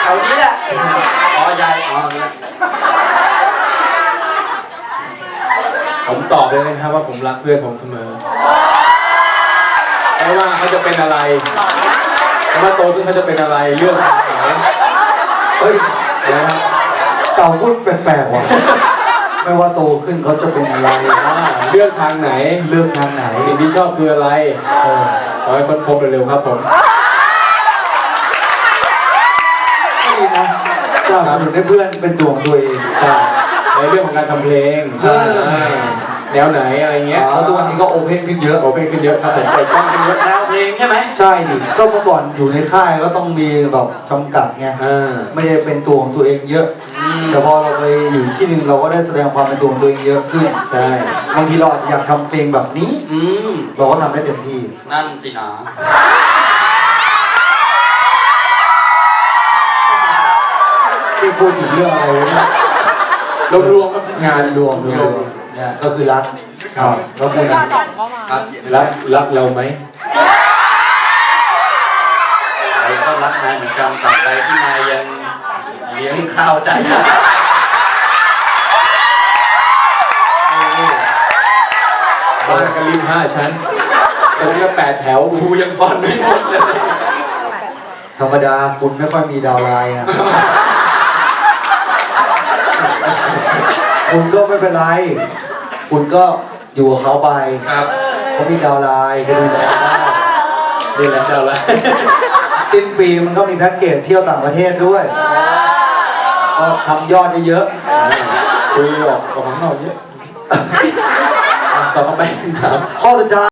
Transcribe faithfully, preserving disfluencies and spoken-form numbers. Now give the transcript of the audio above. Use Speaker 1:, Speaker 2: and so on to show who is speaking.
Speaker 1: ถวนี้แหละอ๋อยายอ๋อ
Speaker 2: ผมตอบเลยนะครับว่าผมรักเพื่อนผมเสมอไม่ว่าเขาจะเป็นอะไรไม่ว่าโตขึ้นเขาจะเป็นอะไรเรื่องของเขาเฮ้ยนะครับ
Speaker 3: เต่าพูดแปลกๆว่ะไม่ว่าโตขึ้นเขาจะเป็นอะไร
Speaker 2: เลือกทางไหน
Speaker 3: เลือกทางไหน
Speaker 2: สิ่งที่ชอบคืออะไรเออขอให้ค้นพบเร็วๆครับผม
Speaker 3: ก็ดีนะสนับสนุนให้เพื่อนเป็นตัวของตัวเอง
Speaker 2: ใช่ในเรื่องของการทำเพลง
Speaker 3: ใช่
Speaker 2: แนวไหนอะไรเงี้ย
Speaker 3: เพราะตัวนี้ก็โอเพนขึ้นเยอะ
Speaker 2: โอเพนขึ้นเยอะครับผมเปิดกล้องขึ้นเยอะ
Speaker 1: แนวเพลงใช่ไหม
Speaker 3: ใช่ดิก็เมื่อก่อนอยู่ในค่ายก็ต้องมีแบบจำกัดไง
Speaker 2: อ่า
Speaker 3: ไม่ได้เป็นตัวของตัวเองเยอะ แต่พอเราไปอยู่ที่หนึ่งเราก็ได้แสดงความเป็นตัวของตัวเองเยอะขึ้น
Speaker 2: ใช่
Speaker 3: บางทีเราอาจจะอยากทำเพลงแบบนี้
Speaker 1: อืม
Speaker 3: เราก็ทำได้เต็มที่
Speaker 1: นั่นสินะ
Speaker 3: ที่พูดถึงเรื่องอะไรวะเนี่ย
Speaker 2: รวมๆครับงาง
Speaker 3: าน นรวมรวมเนี่ยก็คือรักครับแล้วคุณอ่ะ
Speaker 1: ครับ
Speaker 2: รักรักเราไหม
Speaker 1: เราก็รักนายเหมือนกันตราบใดที่นายยังเลี้ยงข้าวใจนะ
Speaker 2: บ้านกันริมห้าชั้นตรงนี้ก็แปดแถว
Speaker 1: กูยังผ่อนไม่หมดเลย
Speaker 3: ธรรมดาคุณไม่ค่อยมีดาวไลน์อ่ะ คุณก็ไม่เป็นไร คุณก็อยู่กับเขาไป
Speaker 1: ครับ
Speaker 3: เขามีดาวไลน์ก็ดูแลได้
Speaker 2: นี่แหละเจ้าละ
Speaker 3: สิ้นปีมันก็มีแพ็กเกจเที่ยวต่างประเทศด้วย ก็ทำยอดได้เยอะ
Speaker 2: คุยออกออกข้างนอกเยอะอ่ะต่อเข้าไปถาม
Speaker 3: ข้อสุดท้าย